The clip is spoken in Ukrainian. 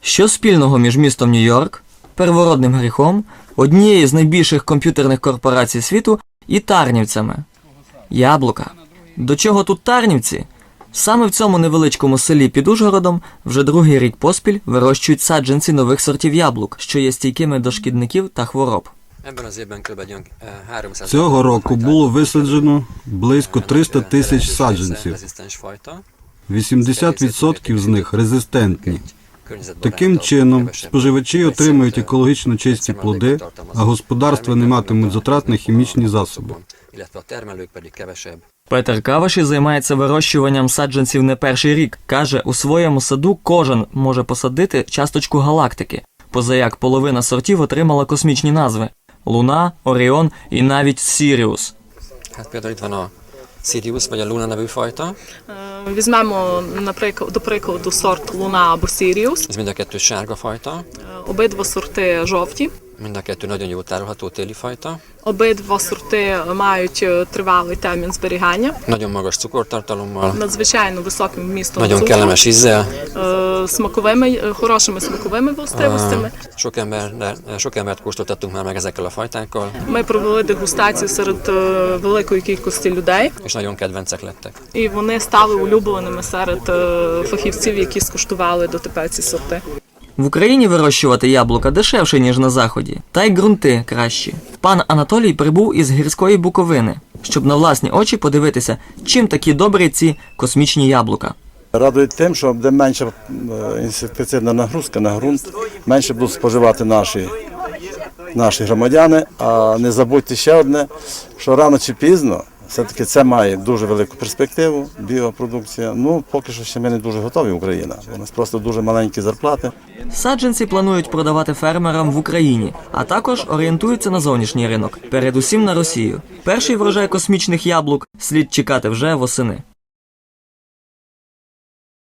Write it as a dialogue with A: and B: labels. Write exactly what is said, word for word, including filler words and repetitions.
A: Що спільного між містом Нью-Йорк, первородним гріхом, однією з найбільших комп'ютерних корпорацій світу і Тарнівцями? Яблука. До чого тут Тарнівці? Саме в цьому невеличкому селі під Ужгородом вже другий рік поспіль вирощують саджанці нових сортів яблук, що є стійкими до шкідників та хвороб.
B: Цього року було висаджено близько триста тисяч саджанців. вісімдесят відсотків з них резистентні. Таким чином, споживачі отримують екологічно чисті плоди, а господарства не матимуть затрат на хімічні засоби.
A: Петер Каваші займається вирощуванням саджанців не перший рік. Каже, у своєму саду кожен може посадити часточку галактики, позаяк половина сортів отримала космічні назви – Луна, Оріон і навіть Сіріус.
C: Візьмемо, наприклад, до прикладу, сорт Луна або Сіріус. Обидва сорти жовті. Обидва сорти мають тривалий термін зберігання. Надзвичайно високим вмістом цукру, смаковими, хорошими смаковими властивостями. Ми провели дегустацію серед великої кількості людей. І вони стали улюбленими серед фахівців, які скуштували дотепер ці сорти.
A: В Україні вирощувати яблука дешевше, ніж на Заході, та й ґрунти кращі. Пан Анатолій прибув із гірської Буковини, щоб на власні очі подивитися, чим такі добрі ці космічні яблука.
D: Радує тим, що буде менша інсектицидна нагрузка на ґрунт, менше будуть споживати наші, наші громадяни. А не забудьте ще одне, що рано чи пізно, все-таки це має дуже велику перспективу, біопродукція. Ну, поки що ще ми не дуже готові, Україна. У нас просто дуже маленькі зарплати.
A: Саджанці планують продавати фермерам в Україні, а також орієнтуються на зовнішній ринок, передусім на Росію. Перший врожай космічних яблук слід чекати вже восени.